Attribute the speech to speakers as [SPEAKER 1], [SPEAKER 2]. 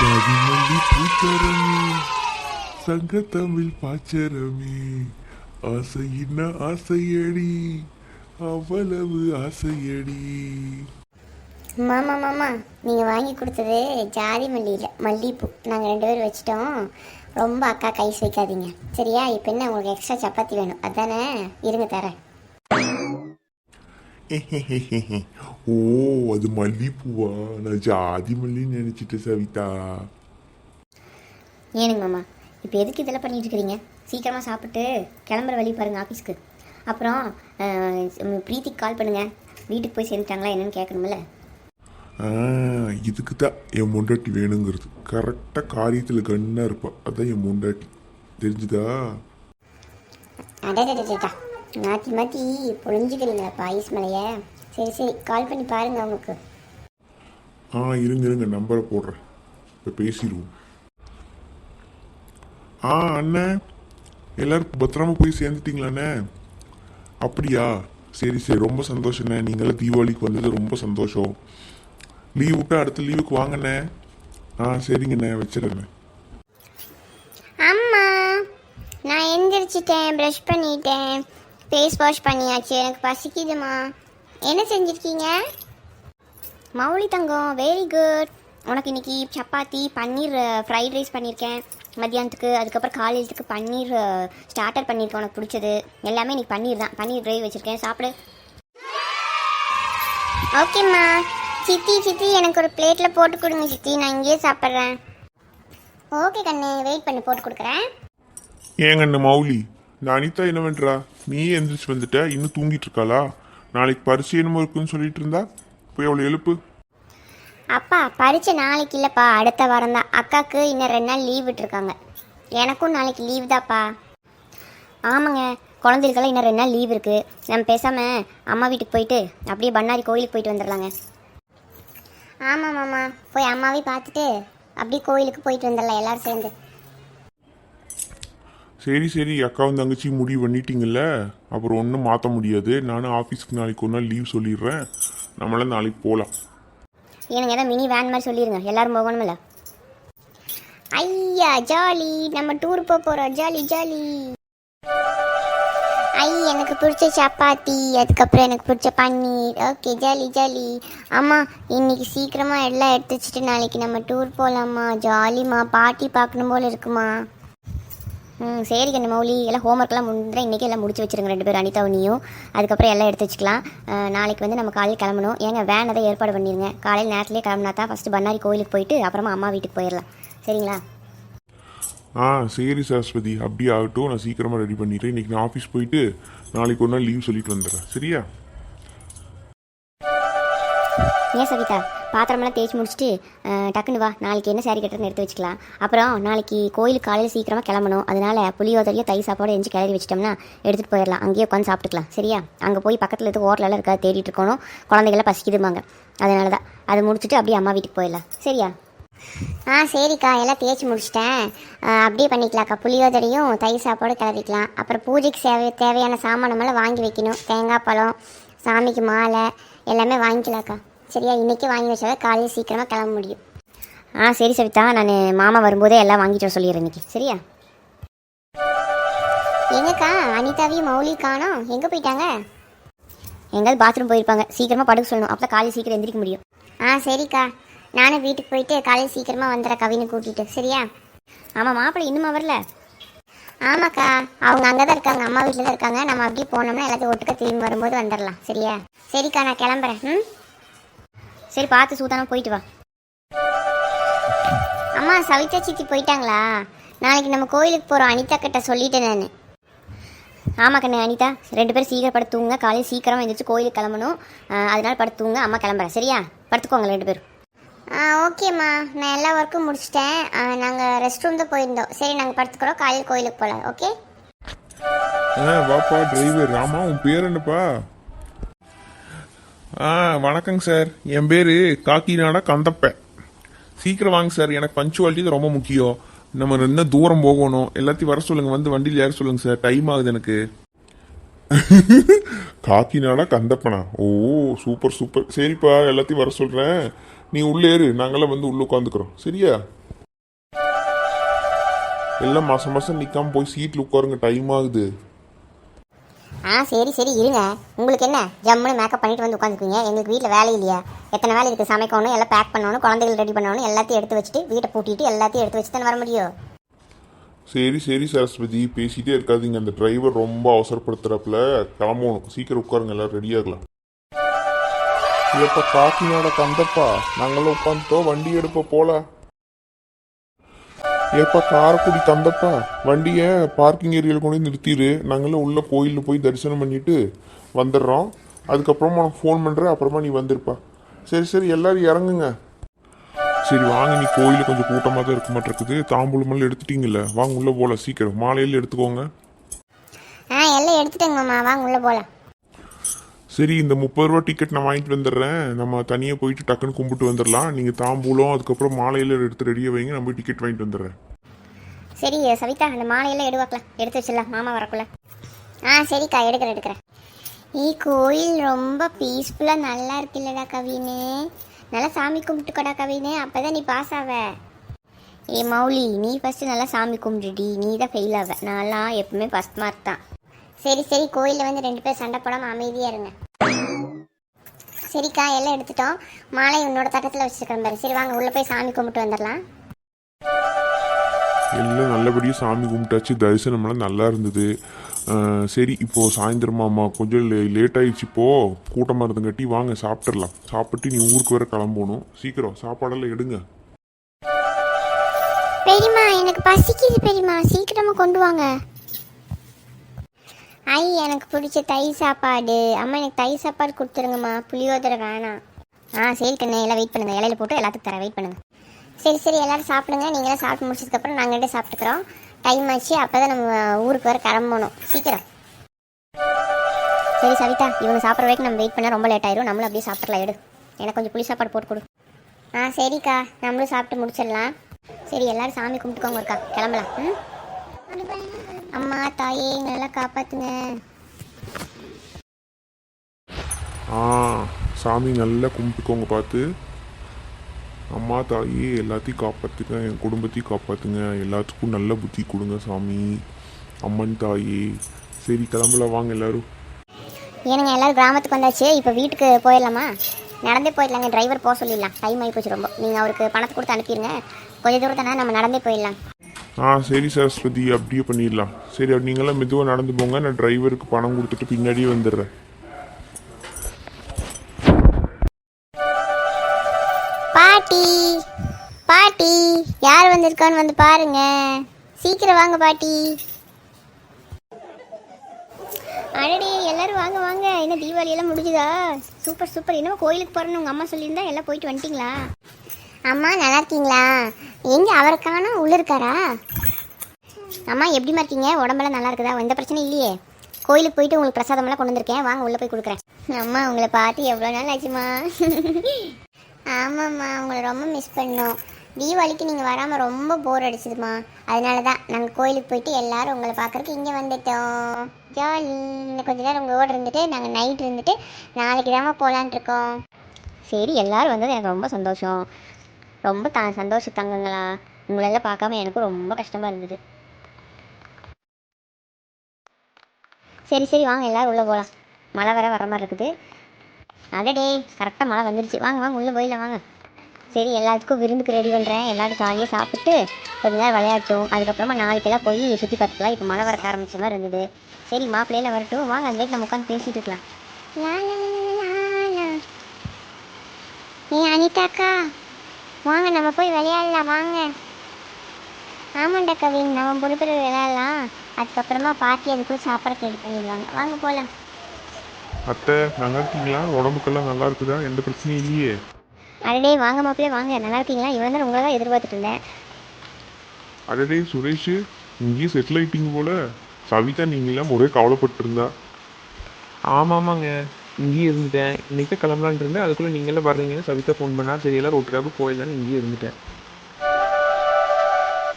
[SPEAKER 1] ஜாதிமல்லி பூச்சரமே சங்கத்தமிழ் பாச்சரமே ஆசையின்ன ஆசையடி அவ்வளவு ஆசையடி.
[SPEAKER 2] மாமா மாமா நீங்கள் வாங்கி கொடுத்தது ஜாதி மல்லியில் மல்லிகைப்பூ நாங்கள் 2 பேரும் வச்சிட்டோம். ரொம்ப அக்கா கைஸ் வைக்காதீங்க சரியா? இப்போ என்ன உங்களுக்கு எக்ஸ்ட்ரா சப்பாத்தி வேணும் அதானே? இருங்க தரேன்.
[SPEAKER 1] ஓ, அது மல்லிப்பூவா? நான் ஜாதி மல்லின்னு நினைச்சிட்டேன் சவிதா.
[SPEAKER 2] ஏனுங்க மாமா இப்போ எதுக்கு இதெல்லாம் பண்ணிட்டு இருக்கிறீங்க? சீக்கிரமாக சாப்பிட்டு கிளம்புற வழி பாருங்கள் ஆஃபீஸ்க்கு. அப்புறம் பிரீத்திக்கு கால் பண்ணுங்கள், வீட்டுக்கு போய் சேர்ந்துட்டாங்களா என்னன்னு கேட்கணுமில்ல.
[SPEAKER 1] இதுக்கு தான் என் முண்டாட்டி வேணுங்கிறது. கரெக்டாக காரியத்தில் கண்ணாக இருப்பா, அதான் என் முண்டாட்டி. தெரிஞ்சுதா?
[SPEAKER 2] அடடா மாற்றி மாற்றி பொழிஞ்சுக்கிறீங்களா ஐஸ் மலையை? சரி சரி கால் பண்ணி பாருங்கள் அவங்களுக்கு.
[SPEAKER 1] இருங்க நம்பரை போடுறேன், இப்போ பேசிடுவோம். அண்ணன் எல்லாரும் பத்திரமா போய் சேர்ந்துட்டீங்களாண்ணே? அப்படியா, சரி ரொம்ப சந்தோஷண்ணே. நீங்களாம் தீபாவளிக்கு வந்தது ரொம்ப சந்தோஷம். லீவ் விட்டா அடுத்த லீவுக்கு வாங்கண்ணே. சரிங்கண்ணே, வச்சிடறேண்ணே.
[SPEAKER 2] அம்மா நான் எந்திரிச்சிட்டேன், ப்ரஷ் பண்ணிட்டேன், ஃபேஸ் வாஷ் பண்ணியாச்சு. எனக்கு பசிக்குதுமா. என்ன செஞ்சுருக்கீங்க? மௌலி தங்கம் வெரி குட். உனக்கு இன்னைக்கு சப்பாத்தி பன்னீர் ஃப்ரைட் ரைஸ் பண்ணியிருக்கேன் மத்தியானத்துக்கு. அதுக்கப்புறம் காலையிலத்துக்கு பன்னீர் ஸ்டார்டர் பண்ணியிருக்கேன், உனக்கு பிடிச்சது எல்லாமே இன்னைக்கு பன்னீர் தான். பன்னீர் கிரேவி வச்சுருக்கேன், சாப்பிடு. ஓகேம்மா. சித்தி எனக்கு ஒரு பிளேட்டில் போட்டு கொடுங்க சித்தி, நான் இங்கேயே சாப்பிட்றேன். ஓகே கண்ணு, வெயிட் பண்ணி போட்டு கொடுக்குறேன்.
[SPEAKER 1] ஏங்கண்ணு மௌலி, இந்த அனிதா என்ன பண்ணுறா? நீ எந்திரிச்சு வந்துட்ட, இன்னும் தூங்கிட்டு இருக்காளா? நாளைக்கு பரிசு என்னமோ இருக்குன்னு சொல்லிட்டு இருந்தா, போய் அவளை எழுப்பு.
[SPEAKER 2] அப்பா பரீட்சை நாளைக்கு இல்லைப்பா, அடுத்த வாரம் தான். அக்காவுக்கு இன்னும் 2 நாள் லீவ் விட்டுருக்காங்க. எனக்கும் நாளைக்கு லீவ் தான்ப்பா. ஆமாங்க, குழந்தைகளுக்கெல்லாம் இன்னும் 2 நாள் லீவ் இருக்குது. நம்ம பேசாமல் அம்மா வீட்டுக்கு போயிட்டு அப்படியே பண்ணாரி கோயிலுக்கு போயிட்டு வந்துடலாங்க. ஆமாம் மாமா, போய் அம்மாவையும் பார்த்துட்டு அப்படியே கோயிலுக்கு போயிட்டு வந்துடலாம் எல்லாரும் சேர்ந்து.
[SPEAKER 1] சரி அக்காவும் தங்கச்சி முடிவு பண்ணிட்டீங்கல்ல, அப்புறம் ஒன்றும் மாற்ற முடியாது. நானும் ஆஃபீஸ்க்கு நாளைக்கு 1 நாள் லீவ் சொல்லிடுறேன், நம்மளாம் நாளைக்கு போகலாம்.
[SPEAKER 2] எனக்கு ஏதாவது மினி வேன் மாதிரி சொல்லிடுங்க, எல்லாரும் போகணுமில்ல. ஐயா ஜாலி, நம்ம டூர் போகிறோம், ஜாலி ஜாலி. எனக்கு பிடிச்ச சப்பாத்தி, அதுக்கப்புறம் எனக்கு பிடிச்ச பன்னீர். Okay jolly jolly. அம்மா இன்னைக்கு சீக்கிரமாக எல்லாம் எடுத்து வச்சுட்டு நாளைக்கு நம்ம டூர் போகலாம்மா. ஜாலிம்மா, பாட்டி பார்க்கணும் போல் இருக்குமா. சரி கண்ணு மௌலி, எல்லாம் ஹோம்ஒர்க்லாம் முடிஞ்சுறேன். இன்றைக்கி எல்லாம் முடிச்சு வச்சுருங்க 2 பேரும், அனிதாவும் நீயும். அதுக்கப்புறம் எல்லாம் எடுத்து வச்சுக்கலாம். நாளைக்கு வந்து நம்ம காலையில் கிளம்பணும். ஏங்க வேன் அதை ஏற்பாடு பண்ணிடுங்க. காலையில் நேரத்துலேயே கிளம்புனா தான் ஃபஸ்ட்டு பண்ணாரி கோயிலுக்கு போயிட்டு அப்புறமா அம்மா வீட்டுக்கு போயிடலாம். சரிங்களா?
[SPEAKER 1] சரி சரஸ்வதி, அப்படியே ஆகட்டும். நான் சீக்கிரமாக ரெடி பண்ணிடுறேன். இன்றைக்கி நான் ஆஃபீஸ் போயிட்டு நாளைக்கு 1 நாள் லீவ் சொல்லிட்டு வந்துடுறேன், சரியா?
[SPEAKER 2] ஏன் சவிதா, பாத்திரமெல்லாம் தேய்ச்சி முடிச்சுட்டு டக்குன்னு வா, நாளைக்கு என்ன சாரி கட்டுறதுன்னு எடுத்து வச்சுக்கலாம். அப்புறம் நாளைக்கு கோயிலுக்கு காலையில் சீக்கிரமாக கிளம்பணும். அதனால் புளியோதரையோ தயிர் சாப்பாடு எஞ்சி கிளறி வச்சிட்டோம்னா எடுத்துகிட்டு போயிடலாம். அங்கேயே உட்காந்து சாப்பிட்டுக்கலாம், சரியா? அங்கே போய் பக்கத்தில் இருக்க ஹோட்டலெல்லாம் இருக்காது, தேடிட்டு இருக்கணும். குழந்தைகள்லாம் பசிக்குதுமாங்க, அதனால தான். அதை முடிச்சுட்டு அப்படியே அம்மா வீட்டுக்கு போயிடலாம், சரியா? சரிக்கா, எல்லாம் தேய்ச்சி முடிச்சிட்டேன். அப்படியே பண்ணிக்கலாம்க்கா. புளியோதரையும் தயிர் சாப்பாடு கிளறிக்கலாம். அப்புறம் பூஜைக்கு தேவையான சாமானமெல்லாம் வாங்கி வைக்கணும். தேங்காய் பழம், சாமிக்கு மாலை எல்லாமே வாங்கிக்கலாம்க்கா, சரியா? இன்றைக்கி வாங்கி வச்சாதான் காலையில் சீக்கிரமாக கிளம்ப முடியும். சரி சவிதா, நான் மாமா வரும்போதே எல்லாம் வாங்கிட்டு வர சொல்லிடுறேன் இன்றைக்கி, சரியா? எங்கக்கா அனிதாவையும் மௌலி காணோம், எங்கே போயிட்டாங்க? எங்கேயாவது பாத்ரூம் போயிருப்பாங்க. சீக்கிரமாக படுக்க சொல்லணும், அப்போ காலையில் சீக்கிரம் எந்திரிக்க முடியும். சரிக்கா, நானும் வீட்டுக்கு போயிட்டு காலையில் சீக்கிரமாக வந்துடுறேன் கவினை கூட்டிகிட்டு, சரியா? ஆமாம், மாப்பிள்ளை இன்னுமா வரல? ஆமாக்கா, அவங்க அங்கே தான் இருக்காங்க, அம்மா வீட்டில் தான் இருக்காங்க. நம்ம அப்படியே போனோம்னா எல்லாத்தையும் ஒட்டுக்க திரும்பி வரும்போது வந்துடலாம், சரியா? சரிக்கா, நான் கிளம்புறேன். சரி, பார்த்து சூதானம் போயிட்டு வா. அம்மா சவிதா சித்தி போயிட்டாங்களா? நாளைக்கு நம்ம கோயிலுக்கு போகிறோம், அனிதா கிட்ட சொல்லிட்டேன் நான். ஆமாம் கண்ணு அனிதா, 2 பேரும் சீக்கிரம் படுத்து தூங்க. காலையில் சீக்கிரமாக எழுந்திரிச்சு கோயிலுக்கு கிளம்பணும். அதனால படுத்து தூங்க. அம்மா கிளம்புறேன், சரியா? படுத்துக்கோங்க 2 பேரும். ஓகேம்மா, நான் எல்லா ஒர்க்கும் முடிச்சிட்டேன். நாங்கள் ரெஸ்ட் ரூம் தான் போயிருந்தோம். சரி, நாங்கள் படுத்துக்கிறோம், காலையில் கோயிலுக்கு போகலாம், ஓகே?
[SPEAKER 1] வாப்பா டிரைவர். ராமா, உன் பேர் என்னப்பா? வணக்கங்க சார், என் பேர் காக்கிநாடா கந்தப்பேன். சீக்கிரம் வாங்க சார், எனக்கு பஞ்சுவாலிட்டி தான் ரொம்ப முக்கியம். நம்ம இன்னும் தூரம் போகணும். எல்லாத்தையும் வர சொல்லுங்க, வந்து வண்டியில் ஏற சொல்லுங்க சார், டைம் ஆகுது எனக்கு. காக்கிநாடா கந்தப்பனா? ஓ, சூப்பர். சரிப்பா, எல்லாத்தையும் வர சொல்கிறேன். நீ உள்ளே ஏறு, நாங்களாம் வந்து உள்ளே உட்காந்துக்கிறோம், சரியா? எல்லாம் மாதம் மாதம் நிற்காம போய் சீட்டில் உட்காருங்க, டைம் ஆகுது.
[SPEAKER 2] சரி சரி இருங்க. உங்களுக்கு என்ன ஜம்முன்னு மேக்கப் பண்ணிட்டு வந்து உட்காந்துக்குவீங்க. எங்களுக்கு வீட்டில் வேலை இல்லையா? எத்தனை வேலை இருக்குது. சமைக்கணும், எல்லாம் பேக் பண்ணணும், குழந்தைகள் ரெடி பண்ணணும், எல்லாத்தையும் எடுத்து வச்சுட்டு வீட்டை பூட்டிட்டு எல்லாத்தையும் எடுத்து வச்சு தானே வர முடியும்.
[SPEAKER 1] சரி சரி சரஸ்வதி, பேசிகிட்டே இருக்காதீங்க. அந்த டிரைவர் ரொம்ப அவசரப்படுத்துறப்பல கிளம்பணும். சீக்கிரம் உட்காருங்க, எல்லாம் ரெடி ஆகலாம். இப்போ காக்கினோட தந்தப்பா, நாங்களாம் உட்காந்துட்டோம், வண்டி எடுப்ப போல. ஏப்பா காரக்குடி தந்தப்பா, வண்டியை பார்க்கிங் ஏரியாவில் கொண்டு போய் நிறுத்திடு. நாங்களும் உள்ள கோயிலில் போய் தரிசனம் பண்ணிட்டு வந்துடுறோம். அதுக்கப்புறமா உனக்கு ஃபோன் பண்ணுறேன், அப்புறமா நீ வந்துருப்பா. சரி சரி, எல்லாரும் இறங்குங்க. சரி வாங்க, நீ கோயிலில் கொஞ்சம் கூட்டமாக தான் இருக்க மாட்டேருக்குது. தாம்பூலமெல்லாம் எடுத்துட்டீங்கல்ல, வாங்க உள்ளே போகலாம். சீக்கிரம் மாலையில் எடுத்துக்கோங்க.
[SPEAKER 2] எல்லாம் எடுத்துட்டேங்க மாமா, வாங்க உள்ளே போகலாம்.
[SPEAKER 1] சரி, இந்த 30 ரூபா டிக்கெட் நான் வாங்கிட்டு வந்துடுறேன். நம்ம தனியாக போயிட்டு டக்குன்னு கும்பிட்டு வந்துடலாம். நீங்கள் தாம்பூலம் அதுக்கப்புறம் மாலையில் எடுத்து ரெடியாக வைங்க, நான் போய் டிக்கெட் வாங்கிட்டு வந்துடுறேன்.
[SPEAKER 2] சரி சவிதா, அந்த மாலையெல்லாம் எடுவாக்கலாம், எடுத்து வச்சிடலாம் மாமா வரக்குள்ள. சரிக்கா, எடுக்கிறேன். கோயில் ரொம்ப பீஸ்ஃபுல்லாக நல்லா இருக்குல்லடா கவினு. நல்லா சாமி கும்பிட்டுக்கடா கவினு, அப்போ தான் நீ பாஸ் ஆவ. மௌலி, நீ ஃபஸ்ட்டு நல்லா சாமி கும்பிடுடி, நீ தான் ஃபெயில் ஆவ. நான்லாம் எப்பவுமே ஃபஸ்ட் மார்க் தான். சரி கோயிலில் வந்து 2 பேர் சண்டை போடாமல் அமைதியாக இருங்க. சரிக்கா, எல்லாம் எடுத்துட்டோம். மாலை உன்னோட தட்டத்தில் வச்சுருக்கிறேன் பாரு. சரி வாங்க உள்ளே போய் சாமி கும்பிட்டு வந்துடலாம்.
[SPEAKER 1] எல்லாம் நல்லபடியாக சாமி கும்பிட்டாச்சு. தரிசனமெல்லாம் நல்லா இருந்தது. சரி, இப்போது சாயந்தரமாம்மா கொஞ்சம் லேட் ஆகிடுச்சு. இப்போது கூட்டமாக இருந்துங்கட்டி வாங்க சாப்பிட்றலாம். சாப்பிட்டு நீ ஊருக்கு வேற கிளம்பணும். சீக்கிரம் சாப்பாடெல்லாம் எடுங்க.
[SPEAKER 2] பெரியம்மா, எனக்கு பசிக்குது பெரியம்மா, சீக்கிரமாக கொண்டு வாங்க. எனக்கு பிடிச்ச தயிர் சாப்பாடு. அம்மா எனக்கு தயிர் சாப்பாடு கொடுத்துருங்கம்மா, புளியோதரை வேணாம். சரி கண்ணே, எல்லாம் வெயிட் பண்ணுங்கள். இலையில போட்டு எல்லாத்துக்கும் தரேன், வெயிட் பண்ணுங்கள். சரி எல்லோரும் சாப்பிடுங்க. நீங்களாம் சாப்பிட்டு முடிச்சதுக்கப்புறம் நாங்கள் 2 சாப்பிட்டுக்கிறோம். டைம் ஆச்சு, அப்போ தான் நம்ம ஊருக்கு வர கிளம்பணும். சீக்கிரம். சரி சவிதா, இவங்க சாப்பிட்ற வரைக்கும் நம்ம வெயிட் பண்ணால் ரொம்ப லேட் ஆயிரும். நம்மளும் அப்படியே சாப்பிட்றலாம். எடு, எனக்கு கொஞ்சம் புளி சாப்பாடு போட்டு கொடு. சரிக்கா, நம்மளும் சாப்பிட்டு முடிச்சிடலாம். சரி, எல்லோரும் சாமி கும்பிட்டுக்கோங்க இருக்கா, கிளம்பலாம். அம்மா தாயே, நல்லா காப்பாற்றுங்க.
[SPEAKER 1] சாமி நல்லா கும்பிட்டுக்கோங்க பார்த்து. அம்மா தாயே, எல்லாத்தையும் காப்பாற்றுங்க, என் குடும்பத்தையும் காப்பாற்றுங்க, எல்லாத்துக்கும் நல்ல புத்தி கொடுங்க சாமி. அம்மன் தாயே. சரி கிளம்பல, வாங்க எல்லாரும்.
[SPEAKER 2] ஏனுங்க, எல்லாரும் கிராமத்துக்கு வந்தாச்சு. இப்போ வீட்டுக்கு போயிடலாமா? நடந்தே போயிடலாங்க, டிரைவர் போக சொல்லிடலாம். டைம் ஆகி போச்சு ரொம்ப. நீங்கள் அவருக்கு பணத்தை கொடுத்து அனுப்பிடுங்க. கொஞ்சம் தூரம் தானே, நம்ம நடந்தே போயிடலாம்.
[SPEAKER 1] சரி சரஸ்வதி, அப்படியே பண்ணிடலாம். சரி, அப்படி நீங்களாம் மெதுவாக நடந்து போங்க. நான் டிரைவருக்கு பணம் கொடுத்துட்டு பின்னாடியே வந்துடுறேன்.
[SPEAKER 2] பாட்டி, யார் வந்திருக்கான்னு வந்து பாருங்க. சீக்கிரம் வாங்க பாட்டி. அடடே, எல்லாரும் வாங்க வாங்க. என்ன தீபாவளி எல்லாம் முடிஞ்சுதா? சூப்பர். என்னமோ கோயிலுக்கு போறேன்னு உங்க அம்மா சொல்லியிருந்தா, எல்லாம் போயிட்டு வந்துட்டீங்களா? அம்மா நல்லா இருக்கீங்களா? எங்க அவரை காணோம், உள்ள இருக்காரா? அம்மா எப்படிமா இருக்கீங்க? உடம்பெல்லாம் நல்லா இருக்குதா? எந்த பிரச்சனையும் இல்லையே? கோயிலுக்கு போயிட்டு உங்களுக்கு பிரசாதமெல்லாம் கொண்டு வந்திருக்கேன், வாங்க உள்ள போய் கொடுக்குறேன். அம்மா, உங்களை பார்த்து எவ்வளோ நாள் ஆச்சுமா? ஆமாம்மா, உங்களை ரொம்ப மிஸ் பண்ணோம். தீபாவளிக்கு நீங்கள் வராமல் ரொம்ப போர் அடிச்சுதுமா. அதனால தான் நாங்கள் கோயிலுக்கு போயிட்டு எல்லாரும் உங்களை பார்க்குறதுக்கு இங்கே வந்துட்டோம். ஜாலி. இன்னும் கொஞ்சம் நேரம் உங்களோட இருந்துட்டு நாங்கள் நைட் இருந்துட்டு நாளைக்கு தாம்மா போகலான்ட்டு இருக்கோம். சரி, எல்லோரும் வந்தது எனக்கு ரொம்ப சந்தோஷம். ரொம்ப சந்தோஷம் தங்கங்களா. உங்களெல்லாம் பார்க்காம எனக்கும் ரொம்ப கஷ்டமாக இருந்தது. சரி வாங்க, எல்லோரும் உள்ளே போகலாம். மழை வர மாதிரி இருக்குது. அடடே, கரெக்டாக மழை வந்துருச்சு. வாங்க உள்ளே போயிடலாம் வாங்க. சரி, எல்லாத்துக்கும் விருந்துக்கு ரெடி பண்ணுறேன். எல்லோரும் ஜாலியாக சாப்பிட்டு கொஞ்ச நேரம் விளையாட்டும். அதுக்கப்புறமா நாளைக்கெல்லாம் போய் சுற்றி பார்த்துக்கலாம். இப்போ மழை வர ஆரம்பிச்ச மாதிரி இருந்தது. சரி, மாப்பிள்ளையில வரட்டும், வாங்க அந்த நம்ம உட்காந்து பேசிகிட்டு இருக்கலாம். அனிதாக்கா, வாங்க நம்ம போய் விளையாடலாம் வாங்க. ஆமாண்டா கவின், நம்ம பொறுப்பு விளையாடலாம். அதுக்கப்புறமா பாட்டி அதுக்குள்ளே சாப்பிட்றதுக்கு ரெடி பண்ணிடுவாங்க. வாங்க போகலாம்.
[SPEAKER 1] அத்தை, நல்லா இருக்கீங்களா? உடம்புக்கெல்லாம் நல்லா இருக்குதா? எந்த பிரச்சனையும் இல்லையே?
[SPEAKER 2] அடடே, வாங்க மாப்பிள்ளையே வாங்க. நல்லா இருக்கீங்களா? இவன் தான் உங்களை தான் எதிர்பார்த்துட்டு இருந்தேன்.
[SPEAKER 1] அடடே சுரேஷ், இங்கேயும் செட்டில் ஆகிட்டீங்க போல. சவிதா நீங்களாம் ஒரே கவலைப்பட்டு இருந்தா.
[SPEAKER 3] ஆமாங்க, இங்கேயே இருந்துட்டேன். இன்றைக்கி கிளம்பலான்ட்டு இருந்தேன். அதுக்குள்ளே நீங்களே வர்றீங்கன்னு சவிதா ஃபோன் பண்ணா. சரி, எல்லோரும் ஒட்டுக்காக போயிடலான்னு இங்கேயே இருந்துட்டேன்.